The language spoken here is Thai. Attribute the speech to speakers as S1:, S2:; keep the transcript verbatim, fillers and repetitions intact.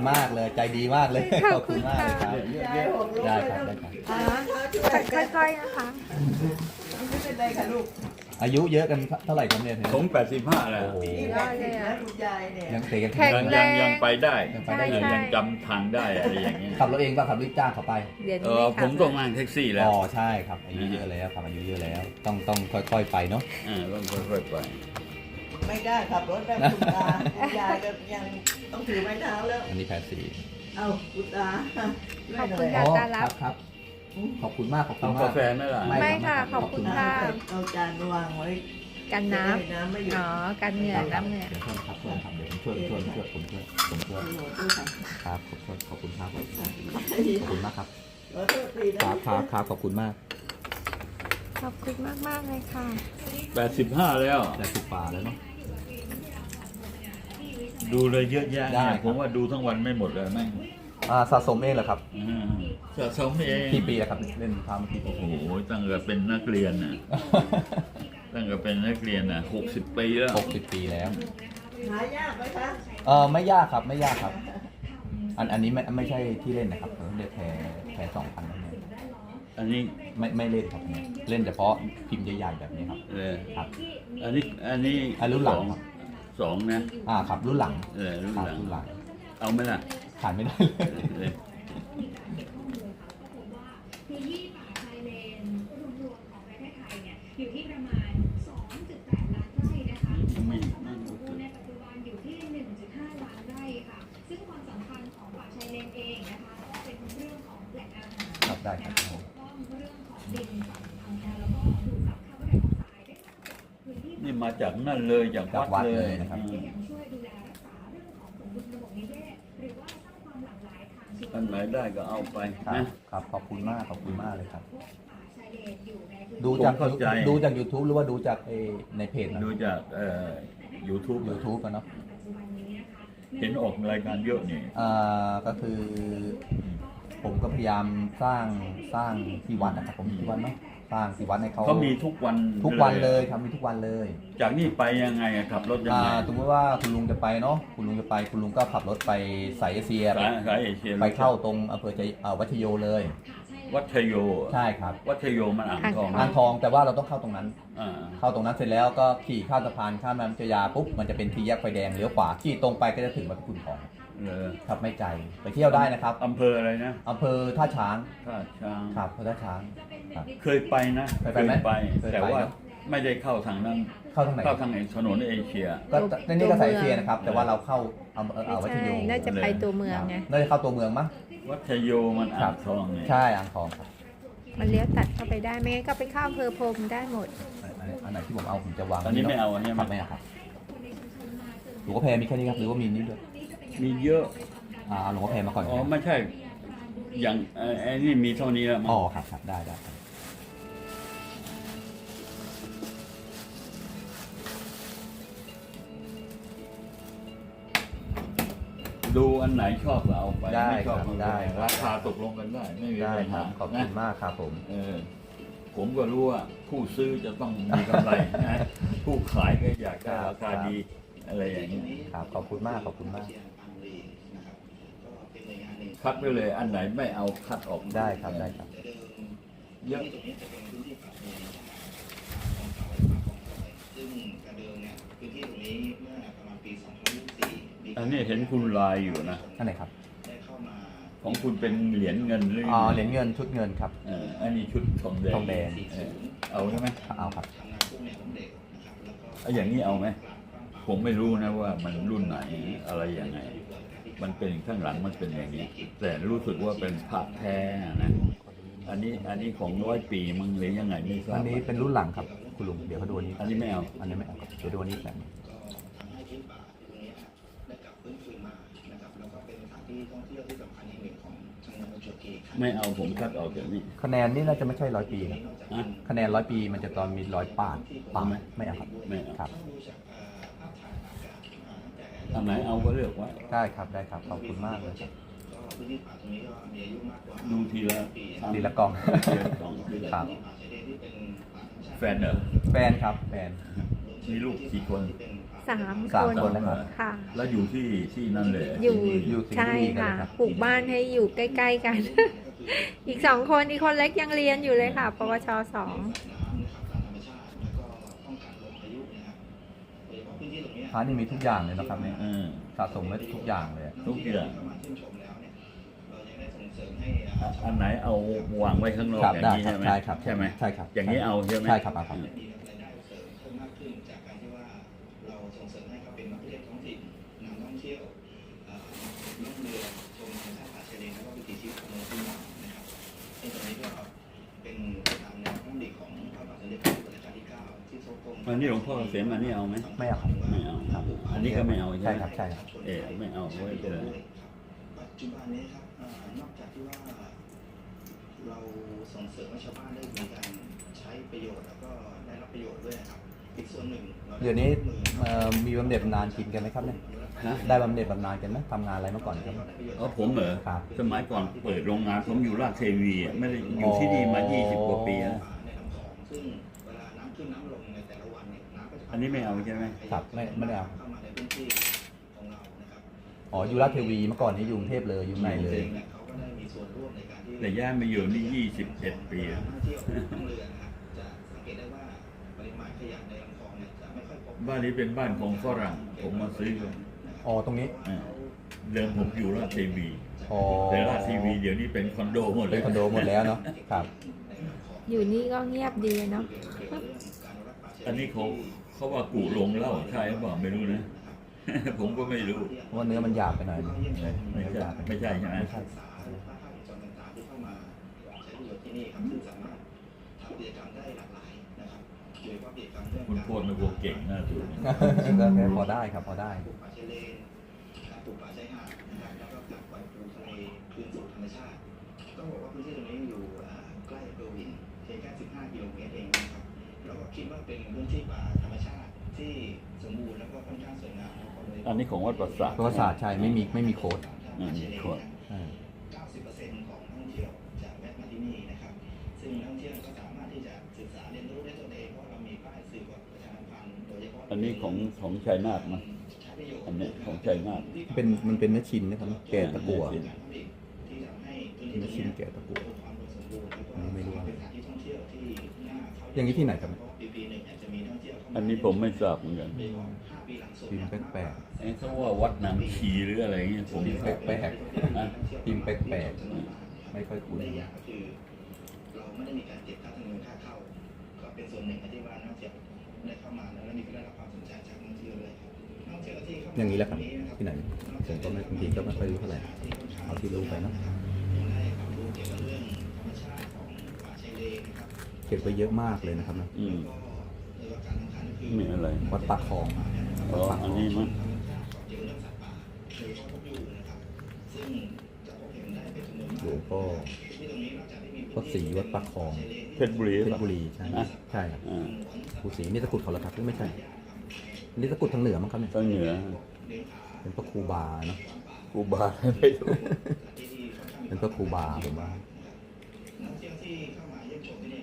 S1: มากเลยใจดีมากเลยขอบคุณมากเลยครับได้ครับได้ครับ
S2: อ่าค่อยๆนะคะ
S3: ไม่เป็นไรค่ะลูก
S1: อายุเยอะกันเท่าไหร่ครับเนี่ย
S4: ผมแปดสิบห้าแล้ว
S1: โอ้โห
S2: ได้เลยอะ
S3: คุณยายเนี่ย
S1: ยังเตะกัน
S2: แข็ง
S4: ยัง
S2: แร
S4: ยัง
S2: ง
S4: ยังไปได้
S1: ยังไปได้อยู่
S2: ใช่
S4: ยังจำทางได้อะไรอย่างเงี้ย
S1: ขับรถเองป่ะขับรถจ้างเขาไป
S2: เดี๋ยว
S4: เอ
S2: นี้
S4: อ
S2: ไม่
S4: ผม
S2: ขับ
S4: ต้องนั่งแท็กซี่แล้ว
S1: อ๋อใช่ครับอายุเยอะแล้วครับอายุเยอะแล้ว ต้องต้องค่อยๆไปเนาะ
S4: อ่าต้องค่อยๆไป
S3: ไม่ได้ขับรถแบบคุณตาคุณยายก็ยังต้องถือไม้เท้าแล้ว
S1: อันนี้แพทสี
S3: เอาคุณตา
S2: ขอบคุณ
S1: อ๋
S2: ค่ะ
S1: อ
S2: ตา
S1: ค
S2: รั
S1: รั
S2: บบ
S1: ครับขอบคุณมากขอบคุ
S4: เอา
S1: ณมาก
S4: กาแฟไหมล่ะ
S1: ไม่
S2: ไม่ค่ะขอบคุณค่ะ
S3: เอาจานวางไว้
S2: กันน้
S3: น้ำไม่หยุ
S2: ำ
S3: ด
S2: อ๋อกันเหงื่อน้ำเหงื่อ
S1: เดี๋ยวช่วยครับช่วยครับเดี๋ยวผมช่วยช่วยช่วยผมช่วยผมช่วย
S3: โหด้วยค่ะ
S1: ครับขอบคุณขอบคุณครับขอบคุณมากครับ
S3: ขอโทษที
S1: ค
S3: นะ
S1: รับครับครับขอบคุณมาก
S2: ขอบคุณมากมากๆเลยค่ะ
S4: แปดสิบห้าแล้ว
S1: แต่สุดป่าแล้วเนาะ
S4: ดูเลยเยอะแยะ
S1: ได้
S4: เนี่ย
S1: ครับ
S4: ผมว่าดูทั้งวันไม่หมดเลยแม่ง
S1: อ่าสะสมเองเหรอครับ
S4: อ่าสะสมเอง
S1: กี่ปีแล้วครับเล่นพามากี่ปี
S4: โอ้โหตั้งแต่เป็นนักเรียนน่ะตั้งแต่เป็นนักเรียนน่ะหกสิบปีแล้ว
S1: หกสิบปีแล้ว
S3: หายากไหมคะ
S1: เออไม่ยากครับไม่ยากครับ อันอันนี้ไม่ไม่ใช่ที่เล่นนะครับเออเรียกแพรแพรสองพันนั่นเอง
S4: อันนี้
S1: ไม่ไม่เล่นครับเนี่ยเล่นเฉพาะพิมพ์ใหญ่ๆแบบนี้ครับ
S4: เออ
S1: ครับ
S4: อันนี้อันนี้
S1: อันรุ่นหลัง
S4: สอ
S1: ครับ
S4: สองนะ
S1: อ่าครับรุ่นหลัง
S4: เออรุ่น
S1: ครับ
S4: หลัง
S1: รุ่นหลัง
S4: เอาไหมล่ะ
S1: ขาดไม่ได้
S4: เอ
S1: เลย
S4: อ
S5: พื้นที่ป่าชายเลนรวมๆของประเทศไทยเนี่ยอยู่ที่ประมาณ สองจุดแปด ล้านไร่นะคะความสามารถของภูในปัจจุบันอยู่ที่ หนึ่งจุดห้า ล้านไร่ค่ะ ซึ่งความสำคัญของป่าชายเลนเองนะคะก็เป็นเรื่องของแหล่งอาหาร
S1: ครับได้ครับ
S5: ปกป้องเรื่องของดินฝั่งทางแนวแล้วก็ดูดซับคาร์บอนไดออกไซด์ได้มากกว่าพื้นที่
S4: นี่มาจากนั่นเลยจาก
S1: จากวั
S4: วั
S1: ด
S4: ด
S1: เล
S4: เลย ย
S1: นะครับ
S4: อืม
S5: ยังช่วยดูแลรักษาเรื่องของสมดุลระบบนิเวศหรือว่าสร้างความหลากหลายทางชีวิต
S4: อันไหนได้ก็เอาไป
S1: ครับ
S4: นะครับ
S1: ขอบคุณมากขอบคุณมากเลยครับ
S5: ป่าชายเลนอยู่ในพื้น
S1: ดู
S5: ที่
S1: จาก
S4: ผมเข้าใจ
S1: ดูจาก YouTube หรือว่าดูจากเออในเพจนะ
S4: ดูจากเอ่อยูทูบ
S1: YouTube กันเนาะ
S5: ปัจจุบันนี้นะคะ
S4: เห็นออกรายการเยอะนี่
S1: อ่าก็คือ ผมก็พยายามสร้างสร้างที่วัดนะครับผมที่วัดเนาะสร้างที่วัดให้เขา
S4: เขามีทุกวัน
S1: ทุกวันเลยทำมีทุกวันเลย
S4: จากนี่ไปยังไงอะขับรถยัง
S1: อ่า
S4: ไง
S1: สมมติว่าคุณลุงจะไปเนาะคุณลุงจะไปคุณลุงก็ขับรถไปสายเอเชีย
S4: สายสายเอเชีย
S1: ไปเข้าตรงอำเภอใจอ่าวัชโยเลย
S4: วัชโย
S1: ใช่ครับ
S4: วัชโยมันอ่างทอง
S1: อ่างทองแต่ว่าเราต้องเข้าตรงนั้น
S4: อ่า
S1: เข้าตรงนั้นเสร็จแล้วก็ขี่ข้ามสะพานข้ามแม่น้ำเจ้าพระยาปุ๊บมันจะเป็นทีแยกไฟแดงเลี้ยวขวาขี่ตรงไปก็จะถึงวัดคุณทอง
S4: เออ
S1: ครับไม่ไกลไปเที่ยวได้นะครับ
S4: อำเภออะไรนะ
S1: อำเภอท่าช้าง
S4: ท่าช้าง
S1: ครับอำเภอท่าช้างครับ
S4: เคยไปนะ
S1: เคยไปไหมเคยไป
S4: แต่ว่า
S1: เนอะ
S4: ไม่ได้เข้าทางนั้น
S1: เข้าทางไหน
S4: เข้าทางถนนเอเชีย
S1: ก็ในนี้ก็สายเอเชียนะครับ แต่ว่าเราเข้าอำเภอ
S2: ไม่
S1: อ่าวัช
S2: ใช่
S1: โย
S2: น่าจะไปตัวเมืองไง
S1: น่าจะเข้าตัวเมืองมั้ง
S4: วัชโยมันอ่างทองเนี่ย
S1: ใช่อ่างทองครับ
S2: มันเลี้ยวตัดเข้าไปได้ไม่งั้นก็ไปเข้าอำเภอพรมได้หมด
S1: อันไหนอันไหนที่ผมเอาผมจะวาง
S4: อันนี้ไม่เอาอันนี้
S1: ครั
S4: ไม่
S1: บไม่เอาครับหลวงพ่อแพรมีแค่นี้ครับหรือว่ามีนี้ด้วย
S4: มีเยอะ
S1: อ่าเอาหลวงพ่อแพรมาก่อน
S4: อ๋อไม่ใช่ อย่างเอ่อไอ้นี่มีเท่านี้แล้วมั้ง
S1: อ๋อครับครับได้ได้ครับ
S4: ดูอันไหนชอบก็เอาไป
S1: ได้
S4: ไม่ช
S1: ค
S4: อบ
S1: รับ
S4: ก็
S1: ได้
S4: ราคาตกลงกันได้ ไม่มี
S1: ได้
S4: ปัญ
S1: ครั
S4: หา
S1: บขอบ
S4: นะ
S1: คุณมากครับผม
S4: เออผมก็รู้ว่าผู้ซื้อจะต้องมีกำไรนะผู้ขายก็อยากได้ราคาดีอะไรอย่างนี้
S1: ครับขอบคุณมากขอบคุณมาก
S4: คัดไปเลยอันไหนไม่เอาคัดออก
S1: ได้ครับได้ครับ
S4: เยอะ
S6: ซึ่งกระเดิมเนี่ยพื้นที่ตรงนี้เมื่อประมาณปี สองพันยี่สิบสี่มี
S4: อันนี้เห็นคุณลายอยู่นะ
S1: ท่านไหนครับ
S6: ได้เข้ามา
S4: ของคุณเป็นเหรียญเงินหรือ
S1: อ๋อเหรียญเงินชุดเงินครับ
S4: เอออันนี้ชุดทองแดง
S1: ทองแดง
S4: เออเอาใช่ไหม
S1: เอาครับ
S6: ทำงานพวกแนวของเด็กนะครับแล้วก็
S4: เอาอย่างนี้เอาไหมผมไม่รู้นะว่ามันรุ่นไหนอะไรยังไง มันเป็นข้างหลังมันเป็นอย่างนี้ แต่รู้สึกว่าเป็นพระแท้นะอันนี้อันนี้ของร้อยปีมึงหรือยังไงไม่ทรา
S1: อั
S4: บ
S1: นนี้เป็นรุ่นหลังครับคุณลุงเดี๋ยวเขาดูอันนี้
S4: อันนี้ไม่เอา
S1: อันนี้ไม่เอาครับเดี๋ยวดูอันนี้แบบนี้
S6: ทำให้พื้นป่าตรงนี้นะครับได้กลับฟื้นฟูมานะครับแล้วก็เป็นสถานที่ท่องเที่ยวที่สำคัญแห่งหนึ่งของจังหวัดประจวบคีรีขันธ์
S4: ไม่เอาผมคัดออกจากนี้
S1: คะแนนนี่น่าจะไม่ใช่ร้อยปีนะ
S4: อ่ะ
S1: คะแนนร้อยปีมันจะตอนมีร้อยปาดปาด
S4: เอาไหม
S1: ไม่เอาครับ
S4: ไม่เอา
S1: ครับ
S4: อันไหนเอาก็เลือกไว้
S1: ได้ครับได้ครับขอบคุณมากเลยครับ
S6: ก็พื้นที่ป่าตรงนี้ก็มีอายุมากกว่า
S4: ดูทีละ
S1: ดีละกล่อง
S4: ทีละกล่องทีละ
S1: ครับ
S6: ป่าชายเลนที่เป็นป่าธรรมชาติ
S4: แฟนเหรอ
S1: แฟนครับแฟน
S4: มีลูกกี่คน
S1: แ
S2: สาม
S1: สาม
S2: คน
S1: คนนะครับ
S2: ค่ะ
S4: แล้วอยู่ที่ที่นั่นเลย
S2: อยู่
S4: ที่
S1: อยู่สิงห์
S2: ใช่
S1: บุรีกัน
S2: ค่ะ
S1: เลยครับ
S2: ปลูกบ้านให้อยู่ใกล้ๆกัน อีกสองคนอีกคนเล็กยังเรียนอยู่เลยค่ะ ปวชสอง
S1: พระนี่มีทุกอย่างเลยนะครับเนี่ย
S4: เออ
S1: สะสมไว้ทุกอย่างเลย
S4: ทุกอย่างอ่ะอันไหนเอาวางไว้ข้างนอก
S1: ครับ
S4: อย่าง
S1: ได้
S4: นี้
S1: ครั
S4: ใช่
S1: บ
S4: ไหม
S1: ใช่ครับ
S4: ใช่ไหม
S1: ใช่ครับ
S4: อย่างนี้เอาใช่ไหม
S1: ใช่ครับเอาครับ
S6: เราส่งเสริมให้เขาเป็นนักท่องเที่ยวท้องถิ่นนำท่องเที่ยวเอ่อล่องเรือชมธรรมชาติป่าชายเลนแล้วก็วิถีชีวิตของเมืองพื้นเมืองนะครับซึ่งตรงนี้ก็เป็นไปตามแนวพระดำริของพระบาทสมเด็จพระจุลจอมเกล้าที่เก้าที่ทรงกรม
S4: อันนี้หลวงพ่อเกษมอันนี้เอาไหม
S1: ไม่เอาครับ
S4: ไม่เอา
S1: ครับ
S4: อันนี้ก็ไม่เอา
S1: ใช่
S4: ใช่ไหม
S1: ครับใช่ครับ
S4: เออไม่เอาไว้เป็นไร
S6: ปัจจุบันนี้ครับเอ่อนอกจากที่ว่าเราส่งเสริมให้ชาวบ้านได้มีการใช้ประโยชน์แล้วก็ได้รับประโยชน์ด้วยนะครับอีกส่วนหนึ่งรา
S1: เดี๋ยวนี้เอ่อมีบำเหน็จบำนาญกินกันไหมครับเนี่ย
S4: ฮะ
S1: ได้บำเหน็จบำนาญกันไหมทำงานอะไรมาก่อนครับ
S4: อ๋อผมเหรอ
S1: ครับ
S4: สมัยก่อนเปิดโรงงานผมอยู่ราชเทวีอ่ะไม่ได้อยู่ที่นี่มายี่สิบกว่าปีแล้ว
S6: ในลำคลองซึ่งเวลาน้ำขึ้นน้ำลงในแต่ละวันเนี่ยน้ำก็จะ
S4: อันนี้ไม่เอาใช่ไหม
S1: ครับไม่ไม่ได้เอา
S6: เข้ามาในพื้นที่ของเรานะครับ
S1: อ๋ออยู่ราชเทวีเมื่อก่อนนี้อยู่กรุงเทพเลยอยู่ในเลย
S6: เนี่ยเขาก็ได้มีส่วนร่วมในการที่
S4: แต่ย่านมาอยู่นี่ยี่สิบเอ็ดปีแล้ว
S6: ท่องเที่ยวท่องเรือนะครับจะสังเกตได้ว่าปริมาณขยะในลำคลองเนี่ยจะไม่ค่อยพบ
S4: บ้านนี้เป็นบ้านของฝรั่งผมมาซื้อกัน
S1: อ๋อตรงนี้
S4: อ่าเดิมผมอยู่ราชเทวี
S1: อ๋อ
S4: แต่ราชเทวีเดี๋ยวนี้เป็นคอนโดหมดเล
S1: เป็น
S4: ย
S1: คอนโดหมดแล้วเนาะครับ
S2: อยู่นี่ก็เงียบดีเนาะ
S4: อันนี้เขาเขาว่ากูลงเหล่าใช่หรือเปล่าไม่รู้นะ ผมก็ไม่รู้
S1: เพราะว่าเนื้อมันหยาบไปหน่อย
S4: ไม่
S1: เนื้อ
S4: ใช่
S1: หยาบไป
S4: ไม่ใช่ใช่ไหม
S1: ไม่ใช่
S6: ภาพวงจรต่างๆที่เข้ามาใช้ประโยชน์ที่นี่ครับซึ่งสามารถทำกิจกรรมได้หลากหลายนะครับโดยเฉพาะกิจกรรมเรื่อง
S4: คุณ
S6: การ
S4: โพดไม่พวกเก่งน่าดู
S1: ก็แค่พอได้ครับพอได้
S6: ปลูกป่าชายเลนการปลูกป่าชายหาดนะครับแล้วก็การปล่อยปูทะเลคืนสู่ธรรมชาติต้องบอกว่าพื้นที่ตรงนี้อยู่อ่าใกล้เบอร์วินเพียงแค่สิบห้ากิโลเมตรเองนะครับเราก็คิดว่าเป็นพื้นที่ป่าธรรมชาติที่สมบูรณ์แล้วก็ค่อนข้างสวยงามแล้วก็เลย
S4: อันนี้ของวัดประสาท
S1: เพราะว่าศาสตร์ใช่ไม่มีไม่มีโค้ด
S4: อืมมีโค้ด
S1: อ่า
S6: เก้าสิบเปอร์เซ็นต์ของนักท่องเที่ยวจะแวะมาที่นี่นะครับ ซึ่งนักท่องเที่ยวก็สามารถที่จะศึกษาเรียนรู้ได้ตัวเองเพราะเรามีป้ายสื่อกับประชาสัมพันธ์โดยเฉพาะ
S4: อันนี้ของของชัยนาทมั้ง
S6: ใช้ประโยชน์
S4: อันนี้ของชัยนาท
S1: เป็นมันเป็นเนื้อชิ้นนะครับแกะตะกั่ว
S6: ที่ทำให้พื้นที่
S1: เนื้อชิ้นแกะตะกั่ว
S6: มีความอุดมสมบูรณ์แล้วก็
S1: อันนี้ไม่รู้ว่า
S6: เป็นสถานที่ท่องเที่ยวที่น่าเข้า
S1: อย่างนี้ที่ไหนครับ
S6: ปีปีหนึ่งเนี่ยจะมีนักท่องเที่ยวเข้ามา
S4: อันนี้ผมไม่ทราบเหมือนกัน
S6: โดยเฉพาะห้าปีหลังสุด
S1: พิมพ์แปลก
S4: เอ้เขาว่าวัดน้ำชีหรืออะไรเงี้ยผม
S1: พิมพ์แปลก
S4: นะ
S1: ๆพิมพ์แปลกๆไม่ค่อยคุ้น
S6: ในอย่างก็คือเราไม่ได้มีการเก็บค่าธรรมเนียมค่าเข้า ก็เป็นส่วนหนึ่งที่ว่านักท่องเที่ยวได้เข้ามาแล้วมีได้รับความสนใจจากนักท่องเที่ยวเลยครับนักท่องเที่ยวที่เข้ามา
S1: อย่างนี้แหละครับที่ไหนผมก็ไม่บางทีก็ไม่ค่อยรู้เท่าไหร่เอาที่รู้ไปเนาะ
S6: ได้ความรู้เกี่ยวกับเรื่องธรรมชาติของป่าชายเลนนะครับ
S1: เก็บไว้เยอะมากเลยนะครับนะ
S4: อืม
S6: ก็ในการสำคัญก็คือ
S4: มีอะไร
S1: วัดปากคลอง
S4: อ๋ออันนี้มั้ง
S6: เกี่ยวกับเรื่องสัตว์ป่าโดยเฉพาะพวกยูนะครับซึ่งจะพบเห็นได้เป็นจำนวน
S1: หล
S6: มาว
S1: ง
S6: ก
S1: พ่อ
S6: ที่ตรงนี้นอกจากที่มี
S1: วัดศรีวัดปากคลอง
S4: เพชรบุรี
S1: เพช
S4: ป่ะ
S1: รบุรีใช่ไหม
S4: อ่ะ
S1: ใช่ครับ
S4: อ่า
S1: ภูศรีนี่ตะกรุดเขาเหรอครับหรือไม่ใช่นี่ตะกรุดทางเหนือมั้งครับเนี่ย
S4: ทางเหนือ
S1: เป็นพระครูบาเนาะ
S4: ครูบาไม่รู้
S1: เป็นพระครูบาผมว่า
S6: นักท่องเที่ยวที่เข้ามาเยี่ยมชมที่นี่